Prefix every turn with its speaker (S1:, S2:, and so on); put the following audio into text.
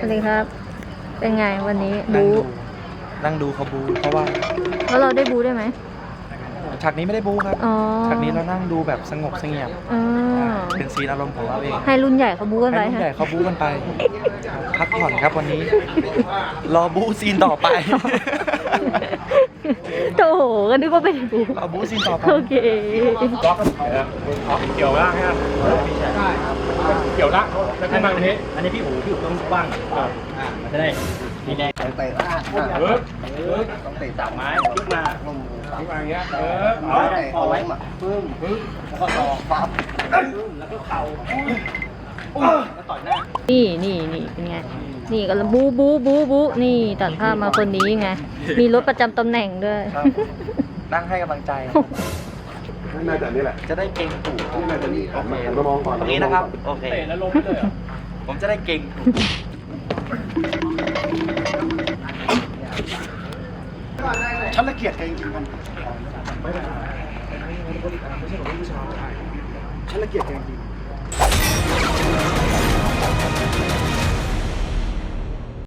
S1: วัสดีครับ เป็นไงวันนี้
S2: นั่งดูเขาบูเพราะว่า
S1: แล้วเราได้บูได้ไหม
S2: ฉากนี้ไม่ได้บูครับ
S1: อ๋อ
S2: ฉากนี้เรานั่งดูแบบสงบเสงี่ยม
S1: อ๋อ
S2: เป็นซีนอารมณ์ของเราเอง
S1: ให้รุ่นใหญ่เขาบูกันไป
S2: ให้รุ่น
S1: ฮะ
S2: ใหญ่เขาบูกันไป พักผ่อนครับวันนี้ รอบูซีนต่อไป
S1: โอ้โหก็นึกว่าเป็นบู
S2: รอบูซีนต่อไป
S1: โอเค
S3: เกี่ยวล่างฮะเกี่ยวล่างแล้วขึ้นมาตรงนี้
S4: อันนี้พี่อู๋ต้องว่างมันจะได้มีแรง
S5: เตะล่าง ต้องเตะ
S4: จับไม้พลิกมา
S5: ลง
S3: ขึ้นมาอย่างเงี้ย
S5: เอาเตะเอาไว้มาปึ้ม
S4: แล้วก็ต่อ
S5: ปั๊บ
S4: แล้วก็เข่าแล้วต่อยหน้า
S1: นี่เป็นไง นี่ก็บูนี่ตัดภาพมาคนนี้ไง มีรถประจำตำแหน่งด้วย
S2: ครับนั่งให้กำลังใจ
S3: น่าจะนี่แหละ
S2: จะได้เก่งถูก
S3: น่าจะนี่ออกมาหันมามองก่อน
S2: ตรงนี้นะครับ โอเค
S3: เตะแล้วล้มเลย
S2: ผมจะได้เก่งถูก
S5: ฉันละเกียดแกจริงๆมันฉันละเกียดแกจริง